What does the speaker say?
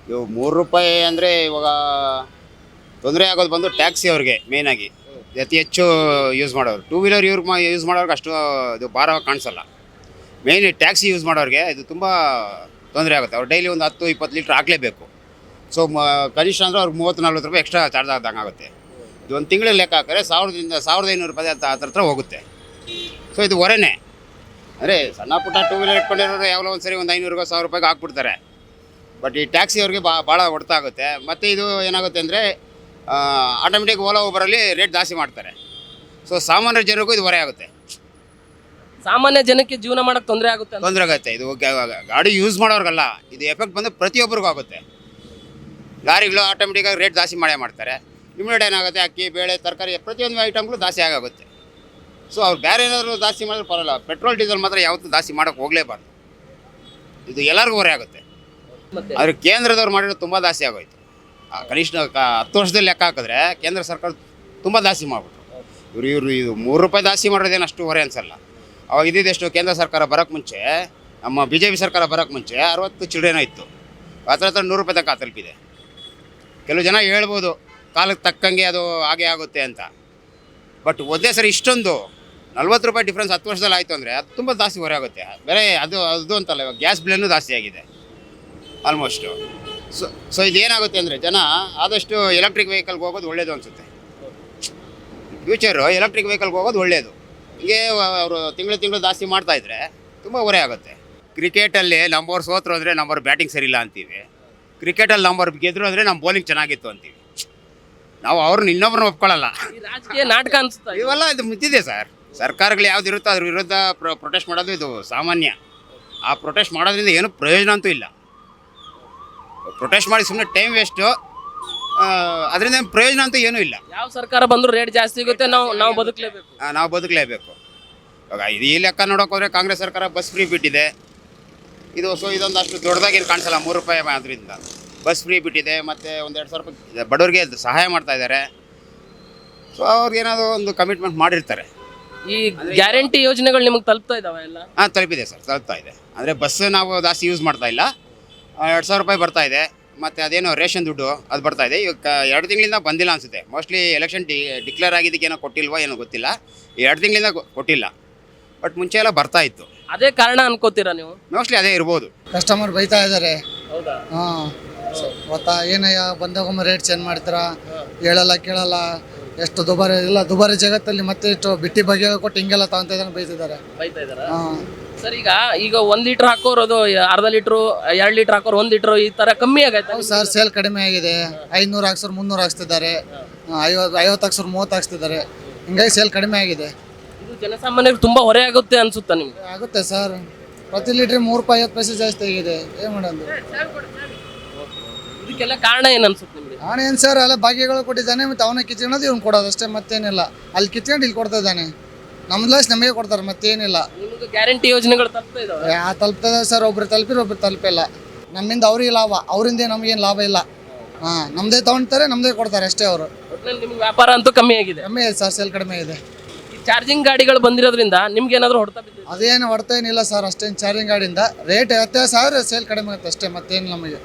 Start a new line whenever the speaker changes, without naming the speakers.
ಇವು ₹3 ಅಂದರೆ ಇವಾಗ ತೊಂದರೆ ಆಗೋದು ಬಂದು ಟ್ಯಾಕ್ಸಿ ಅವ್ರಿಗೆ ಮೇಯ್ನಾಗಿ ಅತಿ ಹೆಚ್ಚು ಯೂಸ್ ಮಾಡೋರು. ಟೂ ವೀಲರ್ ಯೂಸ್ ಮಾಡೋರ್ಗೆ ಅಷ್ಟು ಇದು ಭಾರ ಕಾಣಿಸಲ್ಲ. ಮೇಯ್ನ್ ಟ್ಯಾಕ್ಸಿ ಯೂಸ್ ಮಾಡೋರಿಗೆ ಇದು ತುಂಬ ತೊಂದರೆ ಆಗುತ್ತೆ. ಅವ್ರು ಡೈಲಿ ಒಂದು 10-20 ಲೀಟ್ರ್ ಹಾಕಲೇಬೇಕು. ಸೊ ಕನಿಷ್ಠ ಅಂದರೆ ಅವ್ರಿಗೆ ₹30-40 ಎಕ್ಸ್ಟ್ರಾ ಚಾರ್ಜ್ ಆದಂಗೆ ಆಗುತ್ತೆ. ಇದು ಒಂದು ತಿಂಗಳ ಲೆಕ್ಕ ಹಾಕಿದ್ರೆ ₹1,000-1,500 ಹತ್ರ ಹೋಗುತ್ತೆ. ಸೊ ಇದು ಹೊರೆನೇ. ಅಂದರೆ ಸಣ್ಣ ಪುಟ್ಟ ಟೂ ವೀಲರ್ ಇಟ್ಕೊಂಡಿರೋರು ಯಾವಾಗಲೋ ಒಂದು ಸರಿ ಒಂದು ₹500-1,000 ಹಾಕ್ಬಿಡ್ತಾರೆ. ಬಟ್ ಈ ಟ್ಯಾಕ್ಸಿ ಅವ್ರಿಗೆ ಭಾಳ ಹೊಡೆತ ಆಗುತ್ತೆ. ಮತ್ತು ಇದು ಏನಾಗುತ್ತೆ ಅಂದರೆ ಆಟೋಮೆಟಿಕ್ ಓಲಾ ಊಬರಲ್ಲಿ ರೇಟ್ ಜಾಸ್ತಿ ಮಾಡ್ತಾರೆ. ಸೊ ಸಾಮಾನ್ಯ ಜನರಿಗೂ ಇದು ಹೊರೆ ಆಗುತ್ತೆ.
ಸಾಮಾನ್ಯ ಜನಕ್ಕೆ ಜೀವನ ಮಾಡಕ್ಕೆ ತೊಂದರೆ ಆಗುತ್ತೆ ಅಂತ.
ತೊಂದರೆ ಆಗುತ್ತೆ. ಇದು ಗಾಡಿ ಯೂಸ್ ಮಾಡೋರ್ಗಲ್ಲ, ಇದು ಎಫೆಕ್ಟ್ ಬಂದು ಪ್ರತಿಯೊಬ್ಬರಿಗೂ ಆಗುತ್ತೆ. ಲಾರಿಗಳು ಆಟೋಮೆಟಿಕ್ಕಾಗಿ ರೇಟ್ ಜಾಸ್ತಿ ಮಾಡ್ತಾರೆ. ಇಮಿಡಿಯೇಟ್ ಏನಾಗುತ್ತೆ, ಅಕ್ಕಿ ಬೇಳೆ ತರಕಾರಿ ಪ್ರತಿಯೊಂದು ಐಟಮ್ಗಳು ಜಾಸ್ತಿ ಆಗುತ್ತೆ. ಸೊ ಅವ್ರು ಬೇರೆ ಏನಾದರೂ ಜಾಸ್ತಿ ಮಾಡಿದ್ರೆ ಪರವಾಗಿಲ್ಲ, ಪೆಟ್ರೋಲ್ ಡೀಸೆಲ್ ಮಾತ್ರ ಯಾವತ್ತೂ ಜಾಸ್ತಿ ಮಾಡೋಕ್ಕೆ ಹೋಗಲೇಬಾರ್ದು. ಇದು ಎಲ್ಲರಿಗೂ ಹೊರೆ ಆಗುತ್ತೆ.
ಮತ್ತೆ
ಆದರೆ ಕೇಂದ್ರದವ್ರು ಮಾಡಿರೋದು ತುಂಬ ಜಾಸ್ತಿ ಆಗೋಯ್ತು. ಕನಿಷ್ಠ 10 ವರ್ಷದಲ್ಲಿ ಲೆಕ್ಕ ಹಾಕಿದ್ರೆ ಕೇಂದ್ರ ಸರ್ಕಾರ ತುಂಬ ಜಾಸ್ತಿ ಮಾಡಿಬಿಟ್ರು. ಇವರು ಇದು ₹3 ಜಾಸ್ತಿ ಮಾಡೋದೇನು ಅಷ್ಟು ಹೊರೆ ಅನಿಸಲ್ಲ. ಅವಾಗ ಇದ್ದಿದ್ದೆಷ್ಟು, ಕೇಂದ್ರ ಸರ್ಕಾರ ಬರೋಕ್ಕೆ ಮುಂಚೆ, ನಮ್ಮ BJP ಸರ್ಕಾರ ಬರೋಕ್ಕೆ ಮುಂಚೆ 60 ಚಿಲ್ಡ್ರೇನೋ ಇತ್ತು. ಹತ್ರ ₹100 ತನಕ ತಲುಪಿದೆ. ಕೆಲವು ಜನ ಹೇಳ್ಬೋದು ಕಾಲಕ್ಕೆ ತಕ್ಕಂಗೆ ಅದು ಹಾಗೆ ಆಗುತ್ತೆ ಅಂತ. ಬಟ್ ಒಂದೇ ಸರಿ ಇಷ್ಟೊಂದು ₹40 ಡಿಫ್ರೆನ್ಸ್ 10 ವರ್ಷದಲ್ಲಿ ಆಯಿತು ಅಂದರೆ ಅದು ತುಂಬ ಜಾಸ್ತಿ ಹೊರೆ ಆಗುತ್ತೆ. ಬೇರೆ ಅದು ಅಂತಲ್ಲ, ಇವಾಗ ಗ್ಯಾಸ್ ಬಿಲ್ಲನ್ನು ಜಾಸ್ತಿ ಆಗಿದೆ ಆಲ್ಮೋಸ್ಟು. ಸೊ ಇದೇನಾಗುತ್ತೆ ಅಂದರೆ ಜನ ಆದಷ್ಟು ಎಲೆಕ್ಟ್ರಿಕ್ ವೆಹಿಕಲ್ಗೆ ಹೋಗೋದು ಒಳ್ಳೆಯದು ಅನಿಸುತ್ತೆ. ಫ್ಯೂಚರು ಎಲೆಕ್ಟ್ರಿಕ್ ವೆಹಿಕಲ್ಗೆ ಹೋಗೋದು ಒಳ್ಳೆಯದು. ಹೀಗೆ ಅವರು ತಿಂಗಳು ಜಾಸ್ತಿ ಮಾಡ್ತಾಯಿದ್ರೆ ತುಂಬ ಹೊರೆ ಆಗುತ್ತೆ. ಕ್ರಿಕೆಟಲ್ಲಿ ನಂಬರ್ ಸೋತರು ಅಂದರೆ ನಂಬರ್ ಬ್ಯಾಟಿಂಗ್ ಸರಿಯಿಲ್ಲ ಅಂತೀವಿ. ಕ್ರಿಕೆಟಲ್ಲಿ ನಂಬರ್ ಗೆದ್ರು ಅಂದರೆ ನಮ್ಮ ಬೌಲಿಂಗ್ ಚೆನ್ನಾಗಿತ್ತು ಅಂತೀವಿ. ನಾವು ಅವ್ರನ್ನ ಇನ್ನೊಬ್ರನ್ನ ಒಪ್ಕೊಳ್ಳಲ್ಲ.
ಈ ರಾಜಕೀಯ ನಾಟಕ ಅನ್ಸುತ್ತಾ ಇದು?
ಇವೆಲ್ಲ ಇದು ಮುಚ್ಚಿದೆ ಸರ್. ಸರ್ಕಾರಗಳು ಯಾವ್ದು ಇರುತ್ತೋ ಅದ್ರ ವಿರುದ್ಧ ಪ್ರೊಟೆಸ್ಟ್ ಮಾಡೋದು ಇದು ಸಾಮಾನ್ಯ. ಆ ಪ್ರೊಟೆಸ್ಟ್ ಮಾಡೋದ್ರಿಂದ ಏನೂ ಪ್ರಯೋಜನ ಅಂತೂ ಇಲ್ಲ. ಪ್ರೊಟೆಸ್ಟ್ ಮಾಡಿ ಸುಮ್ಮನೆ ಟೈಮ್ ವೇಸ್ಟು, ಅದರಿಂದ ಪ್ರಯೋಜನ ಅಂತೂ ಏನೂ ಇಲ್ಲ.
ಯಾವ ಸರ್ಕಾರ ಬಂದರೂ ರೇಟ್ ಜಾಸ್ತಿ ಆಗುತ್ತೆ, ನಾವು ಬದುಕಲೇಬೇಕು.
ನಾವು ಬದುಕಲೇಬೇಕು. ಇವಾಗ ಇದು ಈ ಲೆಕ್ಕ ನೋಡೋಕೆ ಹೋದರೆ ಕಾಂಗ್ರೆಸ್ ಸರ್ಕಾರ ಬಸ್ ಫ್ರೀ ಬಿಟ್ಟಿದೆ. ಇದೊಂದು ಅಷ್ಟು ದೊಡ್ಡದಾಗೇನು ಕಾಣಿಸಲ್ಲ. ₹3 ಅದರಿಂದ ಬಸ್ ಫ್ರೀ ಬಿಟ್ಟಿದೆ. ಮತ್ತು ಒಂದು ₹2,000 ಬಡವರಿಗೆ ಸಹಾಯ ಮಾಡ್ತಾ ಇದ್ದಾರೆ. ಸೊ ಅವ್ರಿಗೇನಾದರೂ ಒಂದು ಕಮಿಟ್ಮೆಂಟ್ ಮಾಡಿರ್ತಾರೆ.
ಈ ಗ್ಯಾರಂಟಿ ಯೋಜನೆಗಳು ನಿಮಗೆ ತಲುಪ್ತಾ ಇದಾವೆ ಎಲ್ಲ?
ಹಾಂ, ತಲುಪಿದೆ ಸರ್, ತಲುಪ್ತಾ ಇದೆ. ಅಂದರೆ ಬಸ್ ನಾವು ಜಾಸ್ತಿ ಯೂಸ್ ಮಾಡ್ತಾ ಇಲ್ಲ. ₹2,000 ಬರ್ತಾ ಇದೆ. ಮತ್ತು ಅದೇನೋ ರೇಷನ್ ದುಡ್ಡು ಅದು ಬರ್ತಾ ಇದೆ. ಇವಾಗ 2 ತಿಂಗಳಿಂದ ಬಂದಿಲ್ಲ ಅನಿಸುತ್ತೆ. ಮೋಸ್ಟ್ಲಿ ಎಲೆಕ್ಷನ್ ಡಿಕ್ಲೇರ್ ಆಗಿದ್ದಕ್ಕೆ ಏನೋ ಕೊಟ್ಟಿಲ್ವೋ ಏನೋ ಗೊತ್ತಿಲ್ಲ. 2 ತಿಂಗಳಿಂದ ಕೊಟ್ಟಿಲ್ಲ. ಬಟ್ ಮುಂಚೆ ಎಲ್ಲ ಬರ್ತಾ ಇತ್ತು.
ಅದೇ ಕಾರಣ ಅನ್ಕೋತೀರಾ ನೀವು?
ಮೋಸ್ಟ್ಲಿ ಅದೇ ಇರ್ಬೋದು.
ಕಸ್ಟಮರ್ ಬೈತಾ ಇದ್ದಾರೆ.
ಹೌದಾ?
ಹಾಂ, ಗೊತ್ತಾ ಏನಯ್ಯ ಬಂದಾಗೊಮ್ಮೆ ರೇಟ್ ಚೇಂಜ್ ಮಾಡ್ತೀರಾ, ಹೇಳಲ್ಲ ಕೇಳಲ್ಲ, ಎಷ್ಟು ದುಬಾರಿ ಜಗತ್ತಲ್ಲಿ ಮತ್ತೆ ಇಷ್ಟು ಬಿಟ್ಟಿ ಬಗ್ಗೆ ಕೊಟ್ಟು ಹಿಂಗೆಲ್ಲ ತಗೊಂತ ಇದ್ದಾನೆ ಬೈತಿದ್ದಾರೆ.
ಬೈತಾ ಇದಾರಾ?
ಹಾಂ,
ಸರ್ ಈಗ 1 ಲೀಟರ್ ಹಾಕೋರು ಅದು ಅರ್ಧ ಲೀಟ್ರು, 2 ಲೀಟರ್ ಹಾಕೋರು 1 ಲೀಟ್ರು ಈ ತರ ಕಮ್ಮಿ ಆಗೈತೆ.
ಹೌದು ಸರ್, ಸೇಲ್ ಕಡಿಮೆ ಆಗಿದೆ. 500 ಹಾಕ್ಸೋರು 300 ಹಾಕ್ಸ್ತಿದ್ದಾರೆ, 50 ಹಾಕ್ಸೋರು 30 ಹಾಕ್ಸ್ತಿದ್ದಾರೆ. ಹಿಂಗಾಗಿ ಸೇಲ್ ಕಡಿಮೆ ಆಗಿದೆ.
ಇದು ಜನಸಾಮಾನ್ಯರಿಗೆ ತುಂಬಾ ಹೊರೆ ಆಗುತ್ತೆ ಅನ್ಸುತ್ತಾ ನಿಮ್ಗೆ?
ಆಗುತ್ತೆ ಸರ್. ಪ್ರತಿ ಲೀಟ್ರಿಗೆ ₹3.50 ಜಾಸ್ತಿ ಆಗಿದೆ. ಏನು ಮಾಡೋದು?
ಇದಕ್ಕೆಲ್ಲ ಕಾರಣ ಏನು ಅನ್ಸುತ್ತೆ ನಿಮಗೆ?
ಅವನು ಏನು ಸರ್, ಎಲ್ಲ ಭಾಗ್ಯಗಳು ಕೊಟ್ಟಿದ್ದಾನೆ, ಮತ್ತು ಅವನ ಕಿತ್ಕೊಳ್ಳೋದು ಇವ್ನು ಕೊಡೋದು ಅಷ್ಟೇ, ಮತ್ತೇನಿಲ್ಲ. ಅಲ್ಲಿ ಕಿತ್ಕೊಂಡು ಇಲ್ಲಿ ಕೊಡ್ತಾ ಇದ್ದಾನೆ. ನಮ್ದು ಲಾಸ್ ನಮಗೆ ಕೊಡ್ತಾರೆ, ಮತ್ತೇನಿಲ್ಲ.
ನಿಮಗೆ ಗ್ಯಾರಂಟಿ ಯೋಜನೆಗಳು ತಲುಪ್ತಾ ಇದಾವೆ?
ತಲುಪ್ತದೆ ಸರ್. ಒಬ್ರು ತಲುಪಿರೋ ಒಬ್ರು ತಲುಪಿಲ್ಲ. ನಮ್ಮಿಂದ ಅವ್ರಿಗೆ ಲಾಭ, ಅವರಿಂದ ನಮಗೇನು ಲಾಭ ಇಲ್ಲ. ಹಾಂ, ನಮ್ಮದೇ ತೊಗೊಳ್ತಾರೆ, ನಮ್ಮದೇ ಕೊಡ್ತಾರೆ ಅಷ್ಟೇ. ಅವರು
ಒಟ್ಟಿನಲ್ಲಿ ನಿಮ್ಗೆ ವ್ಯಾಪಾರ ಅಂತೂ ಕಮ್ಮಿ ಆಗಿದೆ.
ಕಮ್ಮಿ ಇದೆ ಸರ್, ಸೇಲ್ ಕಡಿಮೆ ಇದೆ.
ಈ ಚಾರ್ಜಿಂಗ್ ಗಾಡಿಗಳು ಬಂದಿರೋದ್ರಿಂದ ನಿಮ್ಗೆ ಏನಾದರೂ ಹೊಡ್ತಾ ಬಿದ್ದಿದೆ?
ಅದೇನು ಹೊಡ್ತಾ ಏನಿಲ್ಲ ಸರ್. ಅಷ್ಟೇನು ಚಾರ್ಜಿಂಗ್ ಗಾಡಿಯಿಂದ ರೇಟ್ ವ್ಯತ್ಯಾಸ ಆದರೆ ಸೇಲ್ ಕಡಿಮೆ ಆಗುತ್ತೆ ಅಷ್ಟೇ, ಮತ್ತೇನು ನಮಗೆ.